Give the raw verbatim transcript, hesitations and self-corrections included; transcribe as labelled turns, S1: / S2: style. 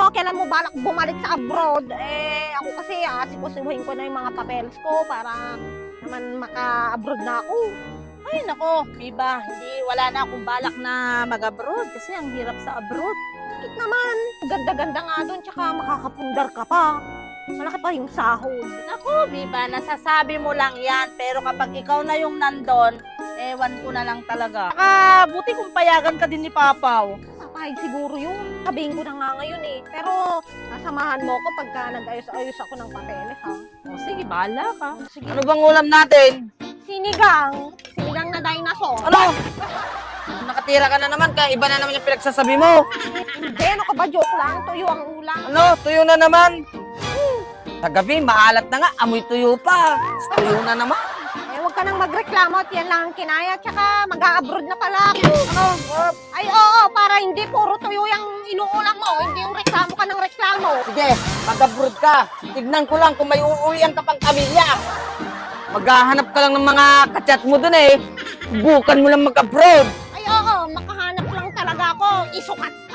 S1: mo, kailan mo balak bumalik sa abroad? Eh, ako kasi asikasuhin ko na yung mga papeles ko para naman maka-abroad na ako.
S2: Ay, nako, Biba, hindi, wala na akong balak na mag-abroad kasi ang hirap sa abroad.
S1: Bakit naman? Ganda-ganda nga doon, tsaka makakapundar ka pa. Malaki pa yung sahod.
S2: Nako, Biba, nasasabi mo lang yan, pero kapag ikaw na yung nandon, ewan ko na lang talaga. Saka, buti kung payagan ka din ni Papaw.
S1: Papayag siguro yun. Sabihin ko na nga ngayon eh. Pero, nasamahan mo ko pagka nag-ayos-ayos ako ng papeles, ha?
S2: O sige, bahala ka.
S1: Sige.
S3: Ano bang ulam natin?
S1: Sinigang. Sinigang na dinosaur.
S3: Ano? Nakatira ka na naman, kaya iba na naman yung pinagsasabi mo.
S1: Hindi, ano ka ba? Joke lang. Tuyo ang ulam.
S3: Ano? Tuyo na naman. Sa gabi, maalat na nga, amoy tuyo pa. Tuyo na naman.
S1: Eh, huwag ka nang magreklamo at yan lang ang kinaya. Tsaka, mag-a-abroad na pala ako. Ano? Ay, oo, para hindi puro tuyo yung inuulam mo. Hindi yung reklamo ka ng reklamo.
S3: Sige, mag-abroad ka. Tignan ko lang kung may uuwian ka pang pamilya. Maghahanap ka lang ng mga kachat mo dun eh. Bukan mo lang mag-abroad.
S1: Ay, oo, makahanap lang talaga ako. Isukat